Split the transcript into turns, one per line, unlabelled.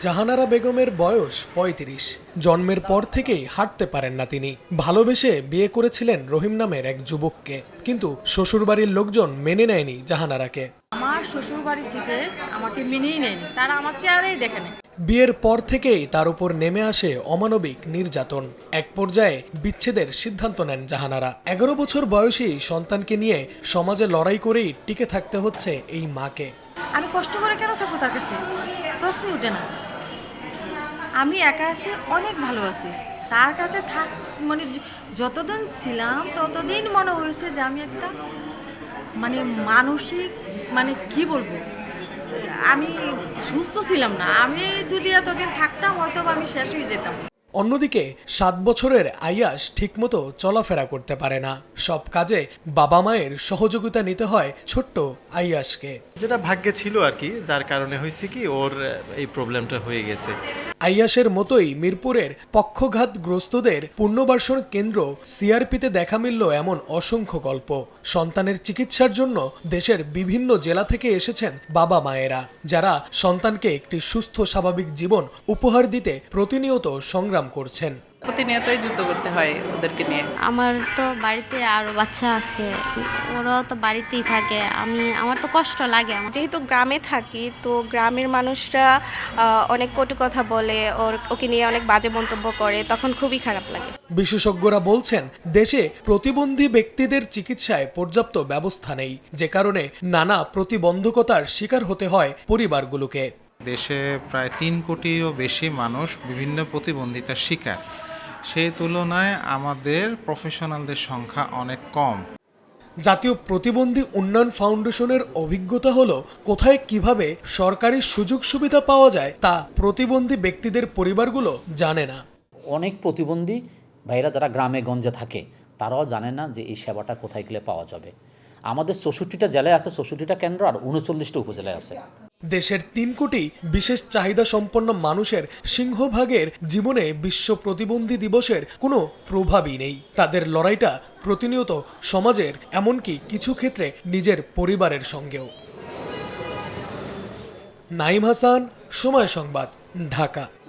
জাহানারা বেগমের বয়স ৩৫। জন্মের পর থেকেই হাঁটতে পারেন না তিনি। ভালোবেসে বিয়ে করেছিলেন রহিম নামের এক যুবককে, কিন্তু শ্বশুরবাড়ির লোকজন মেনে নেয়নি জাহানারাকে।
আমার শ্বশুরবাড়ি থেকে আমাকে মেনেই নেয়নি, তারা আমার চেহারাই দেখেনি।
বিয়ের পর থেকেই তার উপর নেমে আসে অমানবিক নির্যাতন। এক পর্যায়ে বিচ্ছেদের সিদ্ধান্ত নেন জাহানারা। ১১ বছর বয়সী সন্তানকে নিয়ে সমাজে লড়াই করেই টিকে থাকতে হচ্ছে এই মাকে।
আমি কষ্ট করে কেন থাকবো তার কাছে? প্রশ্নই ওঠে না। আমি একা আছি, অনেক ভালো আছি। তার কাছে মানে যতদিন ছিলাম ততদিন মনে হয়েছে যে আমি একটা মানসিক কি বলবো, আমি সুস্থ ছিলাম না। আমি যদি এতদিন থাকতাম হয়তো আমি শেষ হয়ে যেতাম।
অন্যদিকে ৭ বছরের আইয়াস ঠিকমতো চলাফেরা করতে পারে না। সব কাজে বাবা মায়ের সহযোগিতা নিতে হয় ছোট্ট আইয়াসকে।
যেটা ভাগ্যে ছিল আর কি, যার কারণে হয়েছে কি ওর এই প্রবলেমটা হয়ে গেছে।
আইয়াসের মতোই মিরপুরের পক্ষঘাতগ্রস্তদের পুনর্বাসন কেন্দ্র সিআরপিতে দেখা মিলল এমন অসংখ্য গল্প। সন্তানের চিকিৎসার জন্য দেশের বিভিন্ন জেলা থেকে এসেছেন বাবা মায়েরা, যারা সন্তানকে একটি সুস্থ স্বাভাবিক জীবন উপহার দিতে প্রতিনিয়ত সংগ্রাম করছেন।
প্রতিনিয়তই যুদ্ধ করতে হয় ওদেরকে নিয়ে।
আমার তো বাড়িতে আরো বাচ্চা আছে, ওরাও তো বাড়িতেই থাকে। আমার তো কষ্ট লাগে।
যেহেতু গ্রামে থাকি, তো গ্রামের মানুষরা অনেক কটু কথা বলে, ওকে নিয়ে অনেক বাজে মন্তব্য করে, তখন খুবই খারাপ লাগে।
বিশেষজ্ঞরা বলছেন, দেশে প্রতিবন্ধী ব্যক্তিদের চিকিৎসায় পর্যাপ্ত ব্যবস্থা নেই, যে কারণে নানা প্রতিবন্ধকতার শিকার হতে হয় পরিবারগুলোকে।
দেশে প্রায় ৩ কোটিরও বেশি মানুষ বিভিন্ন প্রতিবন্ধিতার শিকার। সেই তুলনায় আমাদের প্রফেশনালদের সংখ্যা অনেক কম।
জাতীয় প্রতিবন্ধী উন্নয়ন ফাউন্ডেশনের অভিজ্ঞতা হলো, কোথায় কিভাবে সরকারি সুযোগ সুবিধা পাওয়া যায় তা প্রতিবন্ধী ব্যক্তিদের পরিবারগুলো জানে না।
অনেক প্রতিবন্ধী ভাইরা যারা গ্রামে গঞ্জে থাকে তারাও জানে না যে এই সেবাটা কোথায় গেলে পাওয়া যাবে। আমাদের ৬৪টা জেলায় আছে, ৬৪টা কেন্দ্র, আর ৩৯টা উপজেলায় আছে।
দেশের ৩ কোটি বিশেষ চাহিদা সম্পন্ন মানুষের সিংহভাগের জীবনে বিশ্ব প্রতিবন্ধী দিবসের কোনো প্রভাবই নেই। তাদের লড়াইটা প্রতিনিয়ত সমাজের, এমনকি কিছু ক্ষেত্রে নিজের পরিবারের সঙ্গেও। নাইম হাসান, সময় সংবাদ, ঢাকা।